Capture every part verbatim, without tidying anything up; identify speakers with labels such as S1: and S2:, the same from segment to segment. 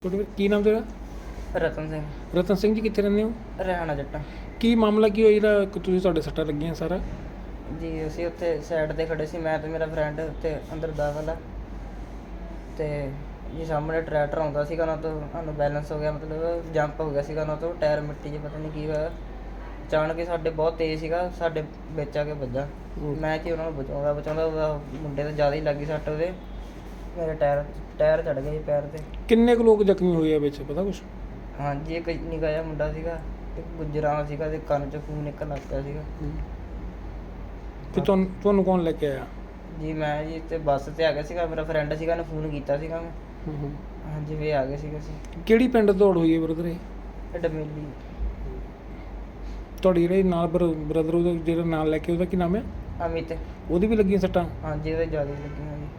S1: ਤੁਹਾਡਾ ਕੀ ਨਾਮ ਤੇਰਾ?
S2: ਰਤਨ ਸਿੰਘ
S1: ਰਤਨ ਸਿੰਘ ਜੀ, ਕਿੱਥੇ ਰਹਿੰਦੇ ਹੋ?
S2: ਰਹਿਣਾ ਜੱਟਾਂ
S1: ਕੀ ਮਾਮਲਾ ਕੀ ਹੋਇਆ ਜਿਹੜਾ ਕਿ ਤੁਸੀਂ ਤੁਹਾਡੇ ਸੱਟਾਂ ਲੱਗੀਆਂ ਸਾਰਾ?
S2: ਜੀ। ਅਸੀਂ ਉੱਥੇ ਸਾਈਡ ਤੇ ਖੜੇ ਸੀ, ਮੈਂ ਤੇ ਮੇਰਾ ਫਰੈਂਡ ਉੱਤੇ ਅੰਦਰ ਦਾਖਲ ਆ। ਤੇ ਜੀ ਸਾਹਮਣੇ ਟਰੈਕਟਰ ਆਉਂਦਾ ਸੀਗਾ, ਉਹਨਾਂ ਤੋਂ ਸਾਨੂੰ ਬੈਲੈਂਸ ਹੋ ਗਿਆ, ਮਤਲਬ ਜੰਪ ਹੋ ਗਿਆ ਸੀਗਾ ਉਹਨਾਂ ਤੋਂ। ਟਾਇਰ ਮਿੱਟੀ 'ਚ ਪਤਾ ਨਹੀਂ ਕੀ ਹੋਇਆ, ਅਚਾਨਕ ਹੀ ਸਾਡੇ ਬਹੁਤ ਤੇਜ਼ ਸੀਗਾ, ਸਾਡੇ ਵਿੱਚ ਆ ਕੇ ਵੱਜਾ। ਮੈਂ ਕਿ ਉਹਨਾਂ ਨੂੰ ਬਚਾਉਂਦਾ ਬਚਾਉਂਦਾ ਉਹਦਾ ਮੁੰਡੇ ਤੇ ਜ਼ਿਆਦਾ ਹੀ ਲੱਗੀ ਸੱਟ, ਉਹਦੇ ਮੇਰੇ ਟਾਇਰ ਟਾਇਰ ਚੜ੍ਹ ਗਿਆ ਜੀ ਪੈਰ 'ਤੇ।
S1: ਕਿੰਨੇ ਕੁ ਲੋਕ ਜ਼ਖਮੀ ਹੋਏ ਆ ਵਿੱਚ, ਪਤਾ ਕੁਛ?
S2: ਹਾਂਜੀ, ਇੱਕ ਨਿੱਕਾ ਜਿਹਾ ਮੁੰਡਾ ਸੀਗਾ, ਇੱਕ ਗੁੱਜਰਾਂ ਸੀਗਾ, ਤੇ ਕੰਨ 'ਚੋਂ ਖੂਨ ਨਿਕਲਣ ਲੱਗ ਪਿਆ ਸੀਗਾ।
S1: ਤੇ ਤੁਹਾਨੂੰ ਤੁਹਾਨੂੰ ਕੌਣ ਲੈ ਕੇ ਆਇਆ?
S2: ਜੀ ਮੈਂ ਜੀ ਤੇ ਬੱਸ 'ਤੇ ਆ ਗਿਆ ਸੀਗਾ, ਮੇਰਾ ਫਰੈਂਡ ਸੀਗਾ, ਉਹਨੇ ਫੋਨ ਕੀਤਾ ਸੀਗਾ ਮੈਂ। ਹਾਂਜੀ, ਵੀ ਆ ਗਏ ਸੀਗੇ ਅਸੀਂ।
S1: ਕਿਹੜੀ ਪਿੰਡ ਦੌੜ ਹੋਈ ਹੈ ਬ੍ਰਦਰ ਇਹ?
S2: ਇਹ ਡਮੇਲੀ।
S1: ਤੁਹਾਡੀ ਜਿਹੜੇ ਨਾਲ ਬ੍ਰਦਰ ਉਹਦਾ ਜਿਹੜਾ ਨਾਲ ਲੈ ਕੇ ਉਹਦਾ ਕੀ ਨਾਮ ਹੈ?
S2: ਅਮਿਤ।
S1: ਉਹਦੀ ਵੀ ਲੱਗੀਆਂ ਸੱਟਾਂ?
S2: ਹਾਂਜੀ, ਉਹਦੇ ਜ਼ਿਆਦਾ ਹੀ ਲੱਗੀਆਂ ਜੀ।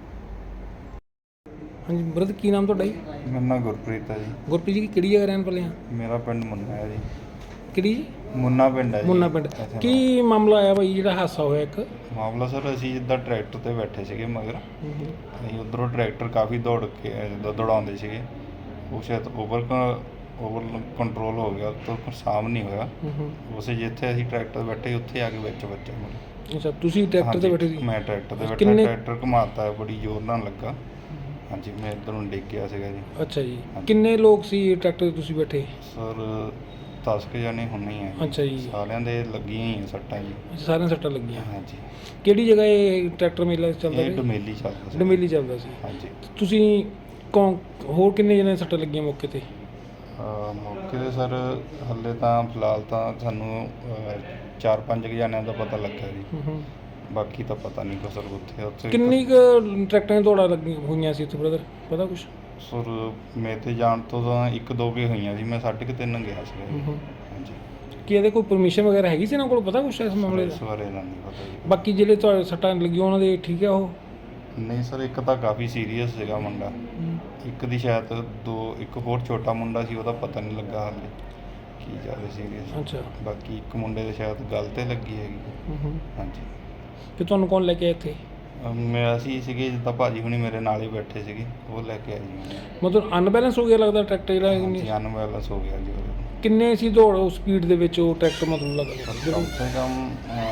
S1: ਹਾਂਜੀ ਬ੍ਰਦਰ, ਕੀ ਨਾਮ ਤੁਹਾਡਾ ਜੀ?
S3: ਮੇਰਾ ਨਾਂ ਗੁਰਪ੍ਰੀਤ ਹੈ ਜੀ।
S1: ਗੁਰਪ੍ਰੀਤ ਜੀ, ਕਿਹੜੀ ਜਗ੍ਹਾ ਰਹਿਣ ਵਾਲੇ ਆ?
S3: ਮੇਰਾ ਪਿੰਡ ਮੁੰਨਾ ਹੈ ਜੀ।
S1: ਕਿਹੜੀ ਜੀ?
S3: ਮੁੰਨਾ ਪਿੰਡ ਹੈ ਜੀ।
S1: ਮੁੰਨਾ ਪਿੰਡ।
S3: ਇੱਥੇ
S1: ਕੀ ਮਾਮਲਾ ਆਇਆ ਭਾਈ ਜਿਹੜਾ ਹਾਦਸਾ ਹੋਇਆ ਇੱਕ?
S3: ਮਾਮਲਾ ਸਰ, ਅਸੀਂ ਜਿੱਦਾਂ ਟਰੈਕਟਰ ਤੇ ਬੈਠੇ ਸੀਗੇ ਮਗਰ, ਅਸੀਂ ਉੱਧਰੋਂ ਟਰੈਕਟਰ ਕਾਫੀ ਦੌੜ ਕੇ ਜਿੱਦਾਂ ਦੌੜਾਉਂਦੇ ਸੀਗੇ, ਉਹ ਸ਼ਾਇਦ ਓਵਰ ਓਵਰ ਕੰਟਰੋਲ ਹੋ ਗਿਆ, ਤੋਂ ਸਾਮ ਨਹੀਂ ਹੋਇਆ। ਉਸੇ ਜਿੱਥੇ ਅਸੀਂ ਟਰੈਕਟਰ ਤੇ ਬੈਠੇ ਉੱਥੇ ਆ ਕੇ ਵਿੱਚ ਵੱਜਾ ਮੇਰੇ।
S1: ਅੱਛਾ, ਤੁਸੀਂ ਟਰੈਕਟਰ ਤੇ ਬੈਠੇ ਸੀ?
S3: ਮੈਂ ਟਰੈਕਟਰ ਤੇ ਬੈਠਾ,
S1: ਕਿੰਨੇ-
S3: ਟਰੈਕਟਰ ਘੁਮਾਤਾ, ਬੜੀ ਜ਼ੋਰ ਨਾਲ ਲੱਗਾ। ਹਾਂਜੀ, ਮੈਂ ਇੱਧਰ ਨੂੰ ਡਿੱਗ ਗਿਆ ਸੀਗਾ ਜੀ।
S1: ਅੱਛਾ ਜੀ, ਕਿੰਨੇ ਲੋਕ ਸੀ ਟਰੈਕਟਰ ਤੇ ਤੁਸੀਂ ਬੈਠੇ?
S3: ਸਰ ਦਸ ਕੁ ਜਾਣੇ ਹੁੰਨੇ ਆ।
S1: ਅੱਛਾ ਜੀ।
S3: ਸਾਰਿਆਂ ਦੇ ਲੱਗੀਆਂ ਹੀ ਆ ਸੱਟਾਂ ਜੀ।
S1: ਅੱਛਾ, ਸਾਰਿਆਂ ਸੱਟਾਂ ਲੱਗੀਆਂ।
S3: ਹਾਂਜੀ।
S1: ਕਿਹੜੀ ਜਗ੍ਹਾ ਇਹ ਟਰੈਕਟਰ ਮੇਲਾ ਚੱਲਦਾ
S3: ਇਹ
S1: ਸੀ?
S3: ਡਮੇਲੀ ਚੱਲਦਾ ਸੀ।
S1: ਡਮੇਲੀ ਚੱਲਦਾ ਸੀ।
S3: ਹਾਂਜੀ।
S1: ਤੁਸੀਂ ਕੌਣ ਹੋਰ ਕਿੰਨੇ ਜਣੇ ਸੱਟਾਂ ਲੱਗੀਆਂ ਮੌਕੇ ਤੇ?
S3: ਅਹ ਮੌਕੇ 'ਤੇ ਸਰ ਹਾਲੇ ਤਾਂ ਫਿਲਹਾਲ ਤਾਂ ਸਾਨੂੰ ਅਹ, ਚਾਰ ਪੰਜ ਕੁ ਜਣਿਆਂ ਦਾ ਪਤਾ ਲੱਗਾ ਜੀ। ਬਾਕੀ ਤਾਂ ਪਤਾ ਨਹੀਂ ਕੋ ਸਰ ਉੱਥੇ ਉੱਥੇ
S1: ਕਿੰਨੀ ਕੁ ਟਰੈਕਟਰਾਂ ਦੀਆਂ ਦੌੜਾਂ ਲੱਗੀਆਂ ਹੋਈਆਂ ਸੀ ਉੱਥੇ ਬ੍ਰਦਰ, ਪਤਾ ਕੁਛ?
S3: ਸਰ ਮੇਰੇ 'ਤੇ ਜਾਣ ਤੋਂ ਤਾਂ ਇੱਕ ਦੋ ਕੇ ਹੋਈਆਂ ਸੀ, ਮੈਂ ਸਾਢੇ ਕੁ ਤਿੰਨ ਗਿਆ ਸੀ। ਹਾਂਜੀ।
S1: ਕੀ ਇਹਦੇ ਕੋਈ ਪਰਮਿਸ਼ਨ ਵਗੈਰਾ ਹੈਗੀ ਸੀ ਇਹਨਾਂ ਕੋਲ, ਪਤਾ ਕੁਛ ਇਸ ਮਾਮਲੇ
S3: ਇਸ
S1: ਦਾ?
S3: ਬਾਰੇ ਤਾਂ ਨਹੀਂ ਪਤਾ ਜੀ।
S1: ਬਾਕੀ ਜਿਹੜੇ ਤੁਹਾਡੇ ਸੱਟਾਂ ਲੱਗੀਆਂ ਉਹਨਾਂ ਦੇ ਠੀਕ ਆ ਉਹ?
S3: ਨਹੀਂ ਸਰ, ਇੱਕ ਤਾਂ ਕਾਫੀ ਸੀਰੀਅਸ ਸੀਗਾ ਮੁੰਡਾ, ਇੱਕ ਦੀ ਸ਼ਾਇਦ ਦੋ, ਇੱਕ ਹੋਰ ਛੋਟਾ ਮੁੰਡਾ ਸੀ, ਉਹਦਾ ਪਤਾ ਨਹੀਂ ਲੱਗਾ ਹਾਲੇ ਕੀ ਜ਼ਿਆਦਾ ਸੀਰੀਅਸ।
S1: ਅੱਛਾ।
S3: ਬਾਕੀ ਇੱਕ ਮੁੰਡੇ ਦੇ ਸ਼ਾਇਦ ਗਲ 'ਤੇ ਲੱਗੀ ਹੈਗੀ। ਹਾਂਜੀ।
S1: ਤੇ ਤੁਹਾਨੂੰ ਕੌਣ ਲੈ ਕੇ ਆਇਆ ਇੱਥੇ?
S3: ਅਮ ਮੈਂ ਅਸੀਂ ਸੀਗੇ, ਜਿੱਦਾਂ ਭਾਜੀ ਹੁਣੀ ਮੇਰੇ ਨਾਲ ਹੀ ਬੈਠੇ ਸੀਗੇ, ਉਹ ਲੈ ਕੇ ਆਏ ਜੀ।
S1: ਮਤਲਬ ਅਨਬੈਲੈਂਸ ਹੋ ਗਿਆ ਲੱਗਦਾ ਟਰੈਕਟਰ ਜਿਹੜਾ?
S3: ਹਾਂਜੀ, ਅਨਬੈਲੈਂਸ ਹੋ ਗਿਆ ਜੀ ਉਹਦੇ।
S1: ਕਿੰਨੇ ਸੀ ਦੌੜ ਉਸ ਸਪੀਡ ਦੇ ਵਿੱਚ ਉਹ ਟਰੈਕਟਰ, ਮਤਲਬ ਲੱਗਦਾ
S3: ਕਮ ਸੇ ਕਮ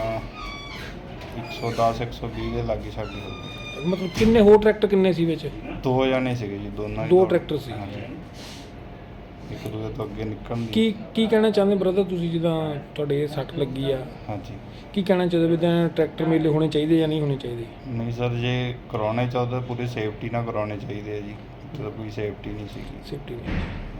S3: ਇੱਕ ਸੌ ਦਸ ਇੱਕ ਸੌ ਵੀਹ ਦੇ ਲਾਗੇ ਛਾਗੇ ਹੋ ਗਏ।
S1: ਮਤਲਬ ਕਿੰਨੇ ਹੋਰ ਟਰੈਕਟਰ ਕਿੰਨੇ ਸੀ ਵਿੱਚ?
S3: ਦੋ ਜਾਣੇ ਸੀਗੇ ਜੀ, ਦੋਨਾਂ ਹੀ
S1: ਦੋ
S3: ਦੌੜ-
S1: ਟਰੈਕਟਰ ਸੀ।
S3: ਹਾਂਜੀ। ਇੱਕ ਦੂਜੇ ਤੋਂ ਅੱਗੇ ਨਿਕਲਣ ਦੀ।
S1: ਕੀ ਕੀ ਕਹਿਣਾ ਚਾਹੁੰਦੇ ਬ੍ਰਦਰ ਤੁਸੀਂ, ਜਿੱਦਾਂ ਤੁਹਾਡੇ ਇਹ ਸੱਟ ਲੱਗੀ ਆ,
S3: ਹਾਂਜੀ।
S1: ਕੀ ਕਹਿਣਾ ਚਾਹੁੰਦੇ ਵੀ ਤਾਂ ਟਰੈਕਟਰ ਮੇਲੇ ਹੋਣੇ ਚਾਹੀਦੇ ਜਾਂ ਨਹੀਂ ਹੋਣੇ ਚਾਹੀਦੇ?
S3: ਨਹੀਂ ਸਰ, ਜੇ ਕਰਾਉਣੇ ਚਾਹੁੰਦੇ ਪੂਰੀ ਸੇਫਟੀ ਨਾਲ ਕਰਾਉਣੇ ਚਾਹੀਦੇ ਆ ਜੀ। ਇੱਥੇ ਤਾਂ ਕੋਈ ਸੇਫਟੀ ਨਹੀਂ ਸੀਗੀ।
S1: ਸੇਫਟੀ